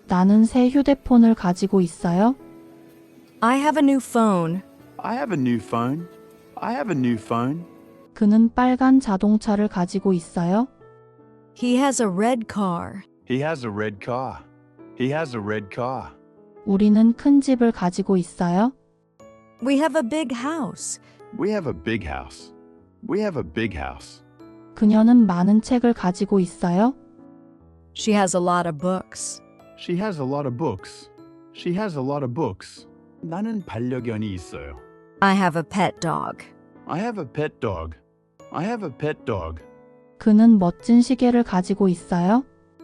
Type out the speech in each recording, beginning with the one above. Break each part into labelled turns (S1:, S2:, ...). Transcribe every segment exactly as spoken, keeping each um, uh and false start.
S1: 나는 새 휴대폰을 가지고 있어요.
S2: I have a new phone.
S3: I have a new phone. I have a new phone.
S1: 그는 빨간 자동차를 가지고 있어요.
S2: He has a red car.
S3: He has a red car. He has a red car.
S1: 우리는 큰 집을 가지고 있어요.
S2: We have a big house.
S3: We have a big house. We have a big house.
S1: 그녀는 많은 책을 가지고 있어요.
S2: She has a lot of books.
S3: She has a lot of books. She has a lot of books. 나는 반려견이 있어요.
S2: I have a pet dog.
S3: I have a pet dog. I have a pet dog.
S1: 그는 멋진 시계를 가지고 있어요.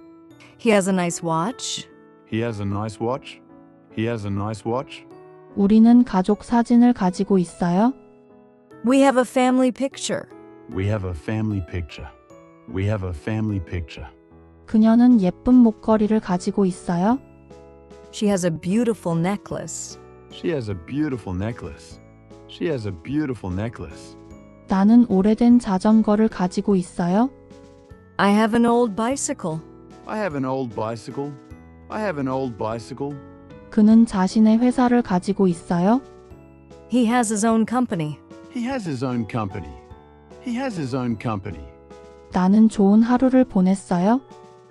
S2: He has a nice watch.
S3: He has a nice watch. He has a nice watch.
S1: 우리는 가족 사진을 가지고 있어요.
S2: We have a family picture.
S3: We have a family picture. We have a family picture.
S1: 그녀는 예쁜 목걸이를 가지고 있어요.
S2: She has a beautiful necklace.
S3: She has a beautiful necklace. She has a beautiful necklace.
S1: 나는 오래된 자전거를 가지고 있어요.
S2: I have an old bicycle.
S3: I have an old bicycle. I have an old bicycle.
S1: 그는 자신의 회사를 가지고 있어요.
S2: He has his own company.
S3: He has his own company. He has his own company.
S1: 나는 좋은 하루를 보냈어요.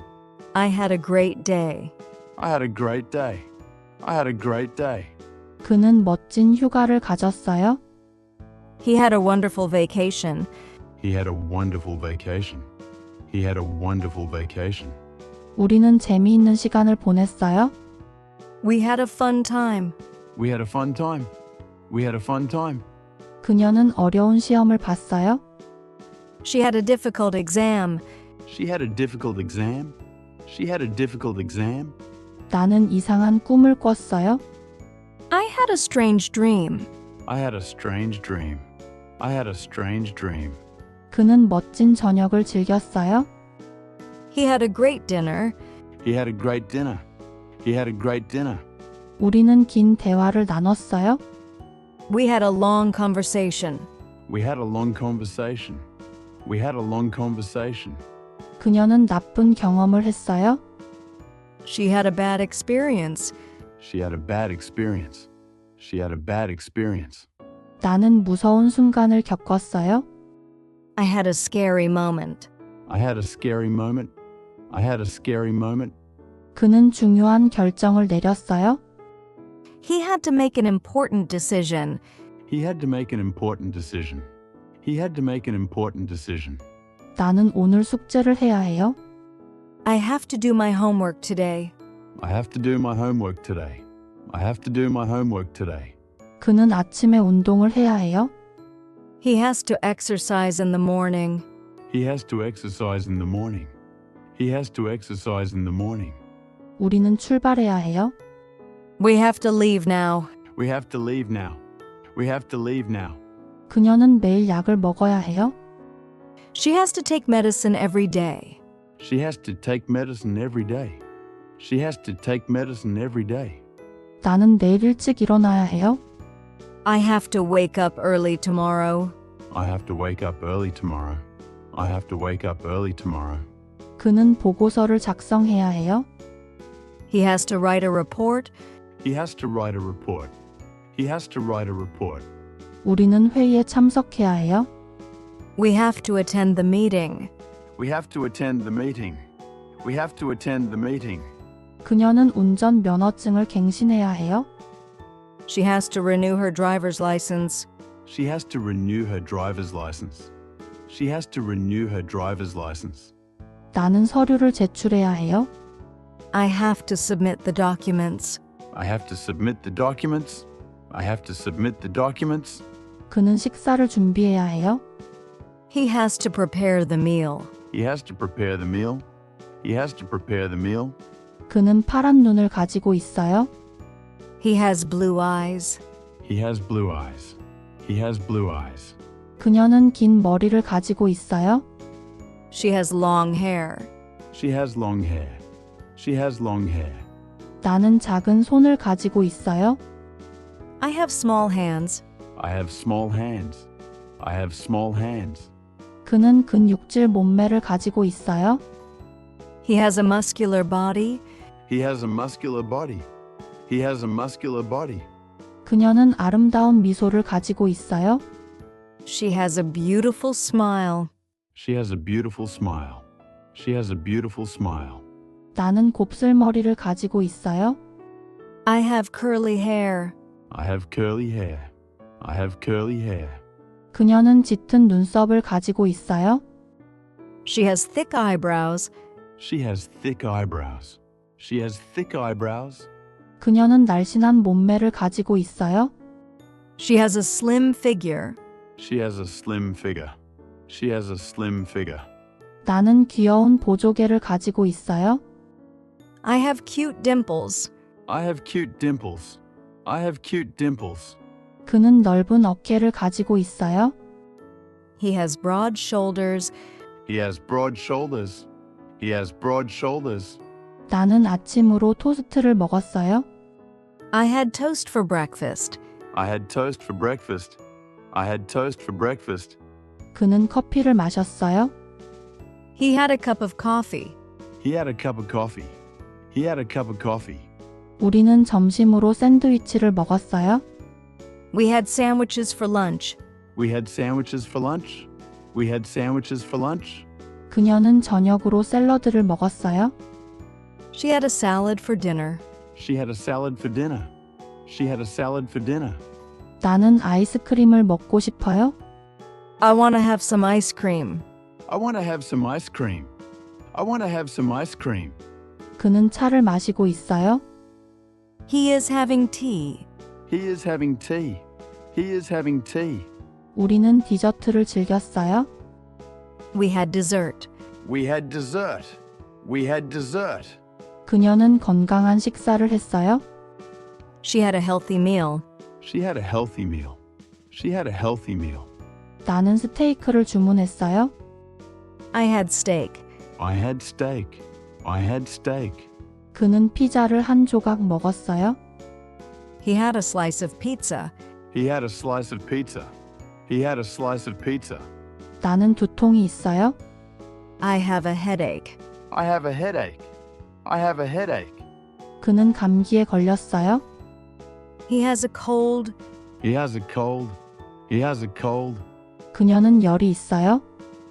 S2: I had a great day.
S3: I had a great day. I had a great day.
S1: 그는 멋진 휴가를 가졌어요.
S2: He had a wonderful vacation.
S3: He had a wonderful vacation. He had a wonderful vacation.
S1: 우리는 재미있는 시간을 보냈어요.
S2: We had a fun time.
S3: We had a fun time. We had a fun time.
S1: 그녀는 어려운 시험을 봤어요.
S2: She had a difficult exam.
S3: She had a difficult exam. She had a difficult exam.
S1: 나는 이상한 꿈을 꿨어요.
S2: I had a strange dream.
S3: I had a strange dream. I had a strange dream.
S1: 그는 멋진 저녁을 즐겼어요.
S2: He had a great dinner.
S3: He had a great dinner. He had a great dinner.
S1: 우리는 긴 대화를 나눴어요.
S2: We had a long conversation.
S3: We had a long conversation. We had a long conversation.
S1: 그녀는 나쁜 경험을 했어요.
S2: She had a bad experience.
S3: She had a bad experience. She had a bad experience.
S1: 나는 무서운 순간을 겪었어요.
S2: I had a scary moment.
S3: I had a scary moment. I had a scary moment.
S1: 그는 중요한 결정을 내렸어요.
S2: He had to make an important decision.
S3: He had to make an important decision. He had to make an important decision.
S1: 나는 오늘 숙제를 해야 해요.
S2: I have to do my homework today.
S3: I have to do my homework today. I have to do my homework today.
S1: 그는 아침에 운동을 해야 해요.
S2: He has to exercise in the morning.
S3: He has to exercise in the morning. He has to exercise in the morning.
S1: 우리는 출발해야 해요.
S2: We have to leave now.
S3: We have to leave now. We have to leave now.
S1: 그녀는 매일 약을 먹어야 해요.
S2: She has to take medicine every day.
S3: She has to take medicine every day. She has to take medicine every day.
S1: 나는 내일 일찍 일어나야 해요.
S2: I have to wake up early tomorrow.
S3: I have to wake up early tomorrow. I have to wake up early tomorrow.
S1: 그는 보고서를 작성해야 해요.
S2: He has to write a report.
S3: He has to write a report. He has to write a report.
S1: 우리는 회의에 참석해야 해요.
S2: We have to attend the meeting.
S3: We have to attend the meeting. We have to attend the meeting.
S1: 그녀는 운전 면허증을 갱신해야 해요.
S2: She has to renew her driver's license.
S3: She has to renew her driver's license. She has to renew her driver's license.
S1: 나는 서류를 제출해야 해요.
S2: I have to submit the documents.
S3: I have to submit the documents. I have to submit the documents.
S1: 그는 식사를 준비해야 해요.
S2: He has to prepare the meal.
S3: He has to prepare the meal. He has to prepare the meal.
S1: 그는 파란 눈을 가지고 있어요.
S2: He has blue eyes.
S3: He has blue eyes. He has blue eyes.
S1: 그녀는 긴 머리를 가지고 있어요.
S2: She has long hair.
S3: She has long hair. She has long hair.
S1: 나는 작은 손을 가지고 있어요.
S2: I have small hands.
S3: I have small hands. I have small hands.
S1: 그는 근육질 몸매를 가지고 있어요.
S2: He has a muscular body.
S3: He has a muscular body. He has a muscular body.
S1: 그녀는 아름다운 미소를 가지고 있어요.
S2: She has a beautiful smile.
S3: She has a beautiful smile. She has a beautiful smile.
S1: 나는 곱슬머리를 가지고 있어요.
S2: I have curly hair.
S3: I have curly hair. I have curly hair.
S1: 그녀는 짙은 눈썹을 가지고 있어요.
S2: She has thick eyebrows.
S3: She has thick eyebrows. She has thick eyebrows.
S1: 그녀는 날씬한 몸매를 가지고 있어요.
S2: She has a slim figure.
S3: She has a slim figure. She has a slim figure.
S1: 나는 귀여운 보조개를 가지고 있어요.
S2: I have cute dimples.
S3: I have cute dimples. I have cute dimples.
S1: 그는 넓은 어깨를 가지고 있어요.
S2: He has broad shoulders.
S3: He has broad shoulders. He has broad shoulders.
S1: 나는 아침으로 토스트를 먹었어요.
S2: I had toast for breakfast.
S3: I had toast for breakfast. I had toast for breakfast.
S1: 그는 커피를 마셨어요.
S2: He had a cup of coffee.
S3: He had a cup of coffee. He had a cup of coffee.
S1: 우리는 점심으로 샌드위치를 먹었어요.
S2: We had sandwiches for lunch.
S3: We had sandwiches for lunch. We had sandwiches for lunch.
S1: 그녀는 저녁으로 샐러드를 먹었어요.
S2: She had a salad for dinner.
S3: She had a salad for dinner. She had a salad for dinner.
S1: 나는 아이스크림을 먹고 싶어요.
S2: I want to have some ice cream.
S3: I want to have some ice cream. I want to have some ice cream.
S1: 그는 차를 마시고 있어요.
S2: He is having tea.
S3: He is having tea. He is having tea.
S1: 우리는 디저트를 즐겼어요.
S2: We had dessert.
S3: We had dessert. We had dessert.
S1: 그녀는 건강한 식사를 했어요.
S2: She had a healthy meal.
S3: She had a healthy meal. She had a healthy meal.
S1: 나는 스테이크를 주문했어요.
S2: I had steak.
S3: I had steak. I had steak.
S1: 그는 피자를 한 조각 먹었어요.
S2: He had a slice of pizza.
S3: He had a slice of pizza. He had a slice of pizza.
S1: 나는 두통이 있어요.
S2: I have a headache.
S3: I have a headache. I have a headache.
S1: 그는 감기에 걸렸어요.
S2: He has a cold.
S3: He has a cold. He has a cold.
S1: 그녀는 열이 있어요.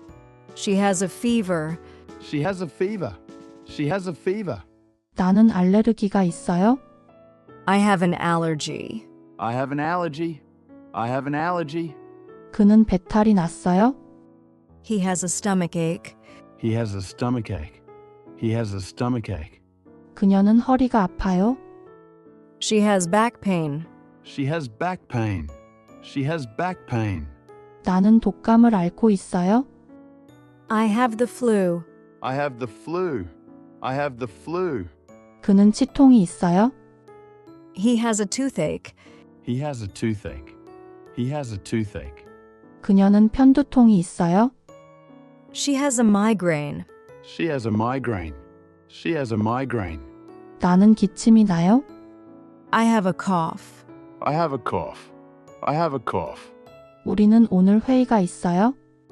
S2: She has a fever.
S3: She has a fever. She has a fever.
S1: 나는 알레르기가 있어요.
S2: I have an allergy.
S3: I have an allergy. I have an allergy.
S1: 그는 배탈이 났어요.
S2: He has a stomach ache.
S3: He has a stomach ache. He has a stomach ache.
S1: 그녀는 허리가 아파요.
S2: She has back pain.
S3: She has back pain. She has back pain.
S1: 나는 독감을 앓고 있어요.
S2: I have the flu.
S3: I have the flu. I have the flu.
S1: 그는 치통이 있어요.
S2: He has a toothache.
S3: He has a toothache. He has a toothache.
S1: 그녀는 편두통이 있어요.
S2: She has a migraine.
S3: She has a migraine. She has a migraine.
S1: 나는 기침이 나요.
S2: I have a cough.
S3: I have a cough. I have a cough.
S1: 우리는 오늘 회의가 있어요.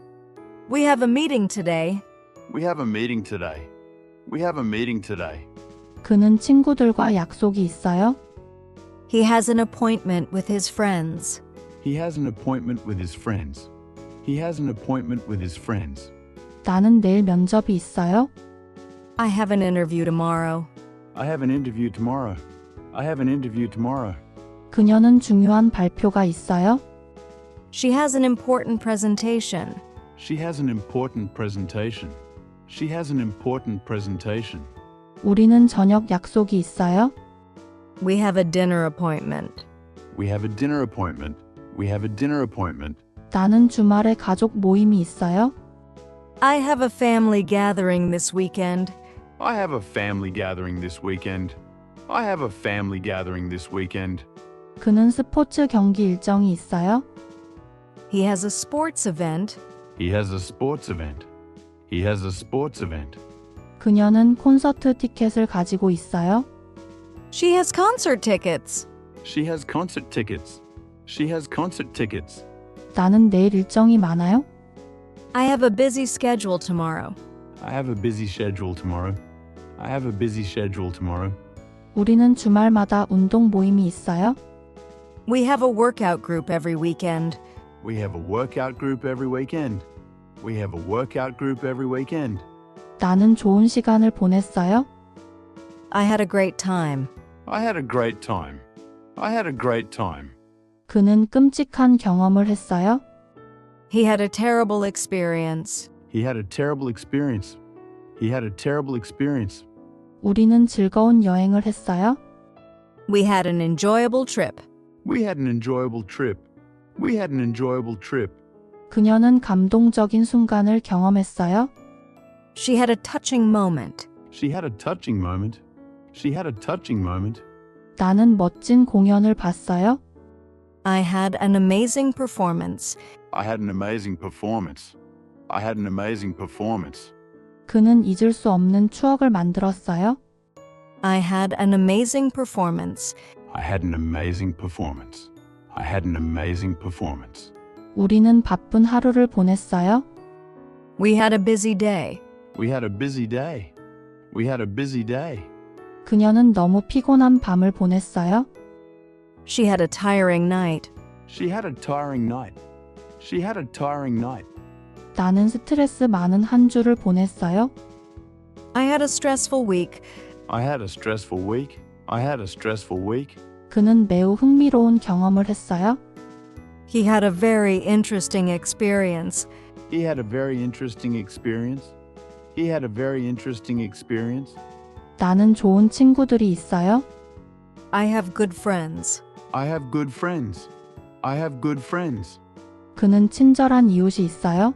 S2: We have a meeting today.
S3: We have a meeting today. We have a meeting today.
S1: 그는 친구들과 약속이 있어요.
S2: He has an appointment with his friends.
S3: He has an appointment with his friends. He has an appointment with his friends.
S1: 나는 내일 면접이 있어요.
S2: I have an interview tomorrow.
S3: I have an interview tomorrow. I have an interview tomorrow.
S1: 그녀는 중요한 발표가 있어요.
S2: She has an important presentation.
S3: She has an important presentation. She has an important presentation.
S1: 우리는 저녁 약속이 있어요.
S2: We have a dinner appointment.
S3: We have a dinner appointment. We have a dinner appointment.
S1: 나는 주말에 가족 모임이 있어요.
S2: I have a family gathering this weekend.
S3: I have a family gathering this weekend. I have a family gathering this weekend.
S1: 그는 스포츠 경기 일정이 있어요.
S2: He has a sports event.
S3: He has a sports event. He has a sports event.
S1: 그녀는 콘서트 티켓을 가지고 있어요.
S2: She has concert tickets.
S3: She has concert tickets. She has concert tickets.
S1: 나는 내일 일정이 많아요.
S2: I have a busy schedule tomorrow.
S3: I have a busy schedule tomorrow. I have a busy schedule tomorrow.
S1: 우리는 주말마다 운동 모임이 있어요?
S2: We have a workout group every weekend.
S3: We have a workout group every weekend. We have a workout group every weekend.
S1: 나는 좋은 시간을 보냈어요?
S2: I had a great time.
S3: I had a great time. I had a great time.
S1: 그는 끔찍한 경험을 했어요?
S2: He had a terrible experience.
S3: He had a terrible experience. He had a terrible experience.
S1: 우리는 즐거운 여행을 했어요?
S2: We had an enjoyable trip.
S3: We had an enjoyable trip. We had an enjoyable trip.
S1: 그녀는 감동적인 순간을 경험했어요?
S2: She had a touching moment.
S3: She had a touching moment. She had a touching moment.
S1: 나는 멋진 공연을 봤어요?
S2: I had an amazing performance.
S3: I had an amazing performance. I had an amazing performance.
S1: 그는 잊을 수 없는 추억을 만들었어요?
S2: I had an amazing performance.
S3: I had an amazing performance. I had an amazing performance.
S1: 우리는 바쁜 하루를 보냈어요?
S2: We had a busy day.
S3: We had a busy day. We had a busy day.
S1: 그녀는 너무 피곤한 밤을 보냈어요?
S2: She had a tiring night.
S3: She had a tiring night. She had a tiring night.
S1: 나는 스트레스 많은 한 주를 보냈어요?
S2: I had a stressful week.
S3: I had a stressful week. I had a stressful week.
S1: 그는 매우 흥미로운 경험을 했어요?
S2: He had a very interesting experience.
S3: He had a very interesting experience. He had a very interesting experience.
S1: 나는 좋은 친구들이 있어요?
S2: I have good friends.
S3: I have good friends. I have good friends.
S1: 그는 친절한 이웃이 있어요?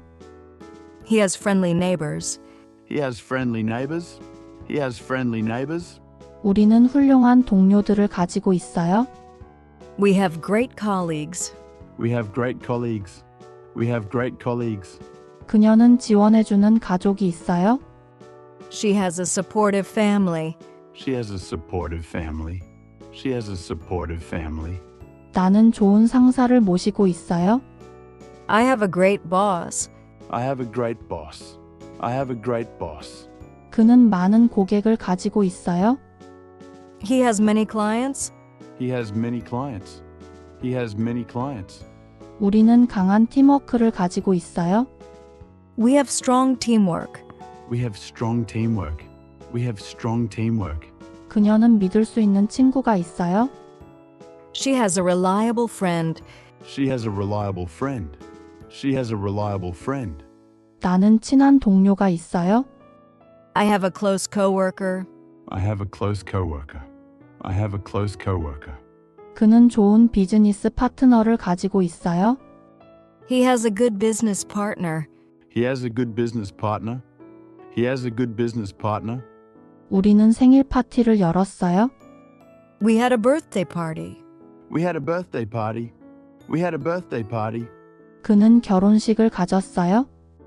S2: He has friendly neighbors.
S3: He has friendly neighbors. He has friendly neighbors.
S1: 우리는 훌륭한 동료들을 가지고 있어요?
S2: We have great colleagues.
S3: We have great colleagues. We have great colleagues.
S1: 그녀는 지원해주는 가족이 있어요?
S2: She has a supportive family.
S3: She has a supportive family. She has a supportive family.
S1: 나는 좋은 상사를 모시고 있어요?
S2: I have a great boss.
S3: I have a great boss. I have a great boss.
S1: 그는 많은 고객을 가지고 있어요?
S2: He has many clients.
S3: He has many clients. He has many clients.
S1: 우리는 강한 팀워크를 가지고 있어요?
S2: We have strong teamwork.
S3: We have strong teamwork. We have strong teamwork.
S1: 그녀는 믿을 수 있는 친구가 있어요?
S2: She has a reliable friend.
S3: She has a reliable friend. She has a reliable friend.
S1: 나는 친한 동료가 있어요?
S2: I have a close coworker.
S3: I have a close coworker. I have a close coworker.
S1: 그는 좋은 비즈니스 파트너를 가지고 있어요?
S2: He has a good business partner.
S3: He has a good business partner. He has a good business partner.
S1: 우리는 생일 파티를 열었어요?
S2: We had a birthday party.
S3: We had a birthday party. We had a birthday party.
S1: 그는 결혼식을 가졌어요?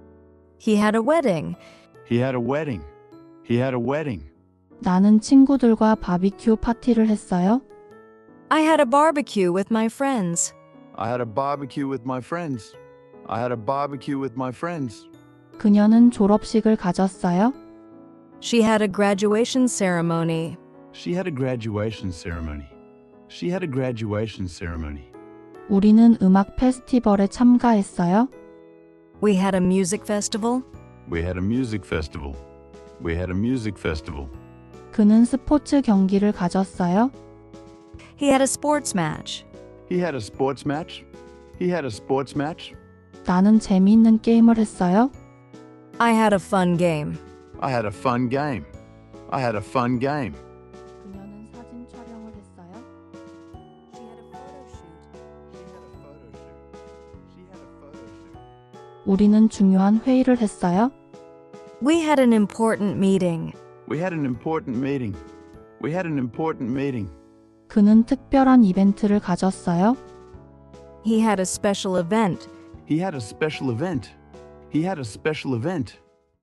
S2: He had a wedding.
S3: He had a wedding. He had a wedding.
S1: 나는 친구들과 바비큐 파티를 했어요?
S2: I had a barbecue with my friends.
S3: I had a barbecue with my friends. I had a barbecue with my friends.
S1: 그녀는 졸업식을 가졌어요?
S2: She had a graduation ceremony.
S3: She had a graduation ceremony. She had a graduation ceremony.
S1: 우리는 음악 페스티벌에 참가했어요?
S2: We had a music festival.
S3: We had a music festival. We had a music festival.
S1: 그는 스포츠 경기를 가졌어요?
S2: He had a sports match.
S3: He had a sports match. He had a sports match.
S1: 나는 재미있는 게임을 했어요?
S2: I had a fun game.
S3: I had a fun game. I had a fun game.
S1: 그녀는 사진 촬영을 했어요?
S2: She had a photo shoot.
S3: She had a photo shoot. She had a photo shoot.
S1: 우리는 중요한 회의를 했어요?
S2: We had an important meeting.
S3: We had an important meeting. We had an important meeting.
S1: 그는 특별한 이벤트를 가졌어요?
S2: He had a special event.
S3: He had a special event. He had a special event.